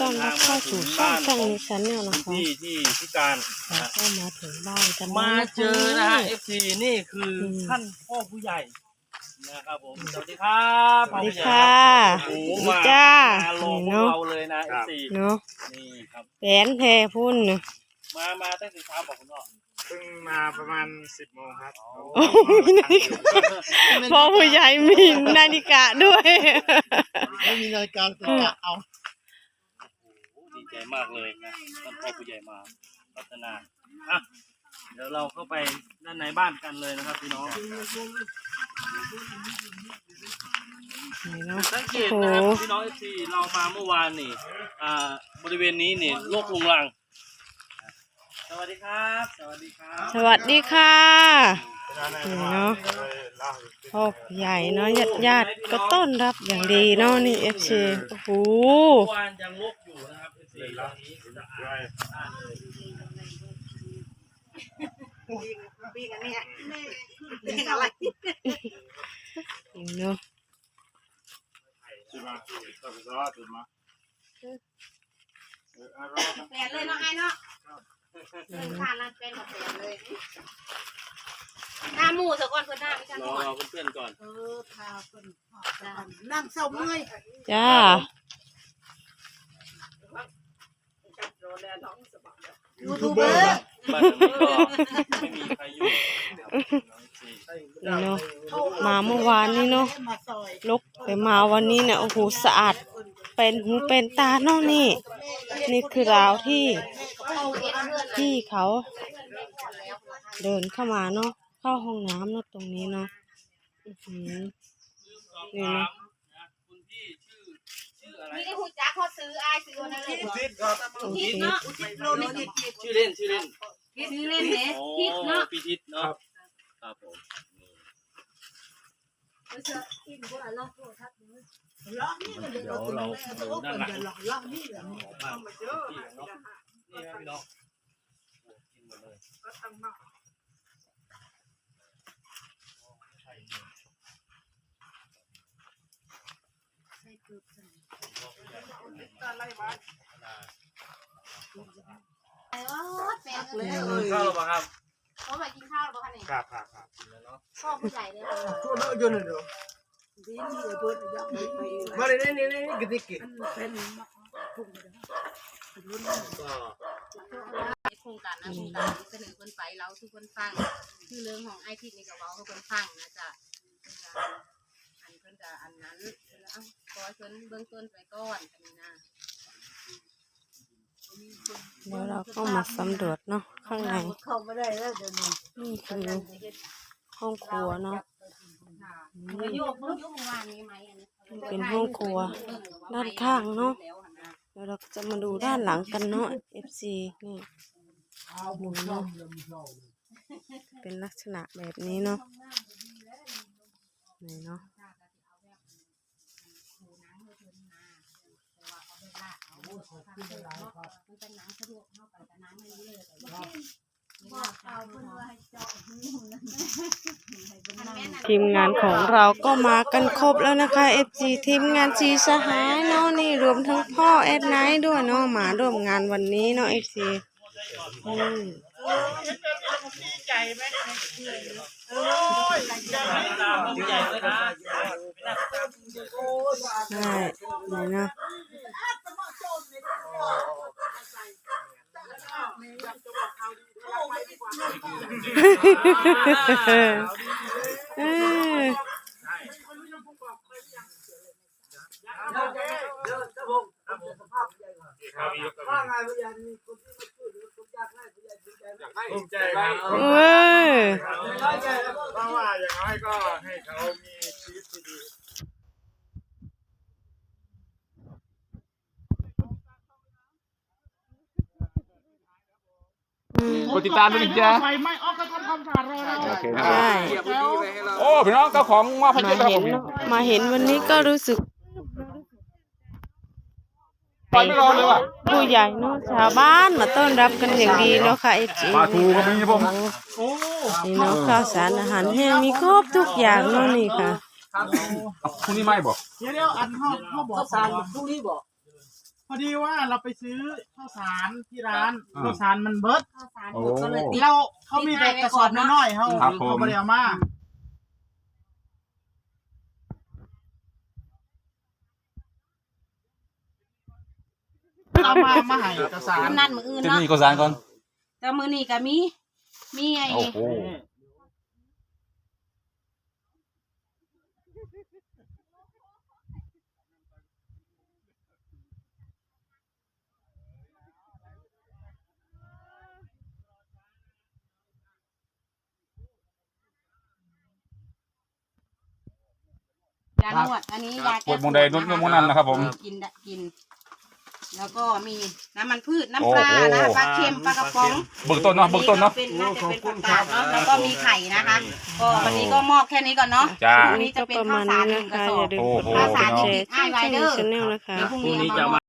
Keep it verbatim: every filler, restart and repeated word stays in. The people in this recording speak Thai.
อนรับเข้าสู่ช่องช่องนี้ชั้นเนี่ยนะคะที่ที่พิการแล้วก็มาถึงบ้านกันมาเจอนะฮะ เอฟ ซี นี่คืออมท่านพ่อผู้ใหญ่นะครับผมสวัสดีครับสวัสดีค่ะโอ้โหสวัสดีมาจ้าลงพวกเราเลยนะ เอฟ ซีเนาะนี่ครับแผนแพรพุ่นเนาะมามาตั้งแต่เช้าบอกคุณพ่อเพิ่งมาประมาณสิบโมงครับโอ้ยนาฬิกาพ่อผู้ใหญ่มีนาฬิกาด้วยไม่มีนาฬิกาแต่กะเอาโอ้โหดีใจมากเลยนะท่านพ่อผู้ใหญ่มาพัฒนาอ่ะเดี๋ยวเราเข้าไปด้านในบ้านกันเลยนะครับพี่น้องนี่เนาะสังเกตโอ้โหนะครับพี่น้องเอฟซีเรามาเมื่อวานนี่อ่าบริเวณนี้นี่โรครุงรัง สวัสดีครับ สวัสดีครับสวัสดีค่ะนี่เนาะพ่อผู้ใหญ่เนาะญาติญาติๆก็ต้อนรับอย่างดีเนาะนี่เอฟซีโอ้โหเมื่อวานยังรกอยู่นะครับเอฟซีตอนนี้สะอาดสะอาดเลยปีกันเนี่ยปีกันอะไรนี่เนาะตื่นมาตื่นมาตื่นมาเออเอารอดนะแปดเลยเนาะไอ้เนาะเดินผ่านร้านเป็นกับแปดเลยหน้าหมูสะก่อนเพื่อนหน้าไม่ใช่รหอน่อยเพื่อนๆก่อนเออพาเพื่อนนั่งเศร้าเมื่อยจ้ายูทูบเบอร์บ้านนี้ก็ไม่มีใครอยู่นะครับน้องเอฟซีนี่เนาะมาเมื่อวานนี้เนาะลกแต่มาวันนี้เนี่ยโอ้โหสะอาดเป็นหูเป็นตาเนาะนี่ นี่คือราวที่ที่เขาเดินเข้ามาเนาะเข้าห้องน้ำเนาะตรงนี้เนาะอื้อหือนี่เนาะคุณพี่ชื่อชื่ออะไรไม่ได้หูจักเขาซื้อไอ้ซื้อวันนั้นเลยทิศครับทิศเนาะโลนี่ชื่อเล่นชื่อเล่นซื้อเล่นเนี่ยโอ้ทิศเนาะพี่ทิศเนาะครับผมเดี๋เดี๋ยวเราดูด้านหลังของบ้านพี่เนาะนี่ครับพี่น้องกินหมดเลยข้าวหรือเปล่าครับเขามากินข้าวหรือเปล่าคะเนี่ยครับครับครับพ่อผู้ใหญ่เลยช่วยเลิกยืนเลยเดี๋ยวมาเลยนี่นี่นี่กระติกก็โครงการนะโครงการเสนอคนไปเราทุกคนฟังคือเรื่องของไอทีนี่กับเราทุกคนฟังนะจ๊ะอันเพิ่นจะอันนั้นแล้วขอเพิ่นเบื้องต้นไปก่อนกันนะเดี๋ยวเราก็มาสำรวจเนาะข้างในเข้าไม่ได้แล้วเดี๋ยวนี้นี่คือห้องครัวเนาะมาโยกเมื่อโยกเมื่อวานนี้ไหมอันนี้เป็นห้องครัวด้านข้างเนาะเดี๋ยวเราจะมาดูด้านหลังกันเนาะ เอฟ ซี นี่ดูเนาะเป็นลักษณะแบบนี้เนาะนี่เนาะทีมงานของเราก็มากันครบแล้วนะคะ เอฟ จี ทีมงานจีสหายเนาะนี่รวมทั้งพ่อแอดไนท์ด้วยเนาะมาร่วมงานวันนี้เนาะ เอฟ ซี อืมตามผู้ใหญ่เลยนะใช่นี่เนาะเออภูมิใจครับเออเพราะว่าอย่างน้อยก็ให้เขามีชีวิตที่ดีกดติดตามด้วยนะจ๊ะไฟไหม้ออกก็ทำความสะอาดรอเราโอเคนะใช่โอ้พี่น้องเจ้าของว่าพันมาเจ็ดแล้วเห็นผมเนาะมาเห็นวันนี้ก็รู้สึกไปไม่รอเลยว่ะผู้ใหญ่เนาะชาวบ้านมาต้อนรับกันอย่างดีเนาะค่ะเอฟจีปลาทูก็มีผมนี่เนาะข้าวสารอาหารแห้งมีครบทุกอย่างเนาะนี่ค่ะพรุ่งนี้ไม่บอกเดี๋ยวเดี๋ยวอันห้องห้องบอกสารพรุ่งนี้บอกพอดีว่าเราไปซื้อข้าวสารที่ร้านข้าวสารมันเบิดข้าวสารโอ้ก็เลยติดเราเขามีแต่กระสอบน้อยๆเขาครับผมเขาไม่ได้เอามาเอามามาให้กระสารนั่นมืออื่นที่เนาะนี่ก็สารก่อนแต่มือนี่ก็มีมีไอ้โอ้โหยานวดอันนี้ยาปวดมงใดนุ่นมงนั้นนะครับผมกินได้กิน แล้วก็มีน้ำมันพืชน้ำปลานะปลาเค็มปลากระป๋องเบื้องต้นเนาะเบื้องต้นเนาะเป็นน่าจะเป็นผักกาดเนาะแล้วก็มีไข่นะคะก็วันนี้ก็มอบแค่นี้ก่อนเนาะจ้าวันนี้จะเป็นข้าวสารหนึ่งกระสอบอย่าลืมกดไลค์กดแชร์ช่องชาแนลนะคะเดี๋ยวพรุ่งพรุ่งนี้นี้เอาจะมามา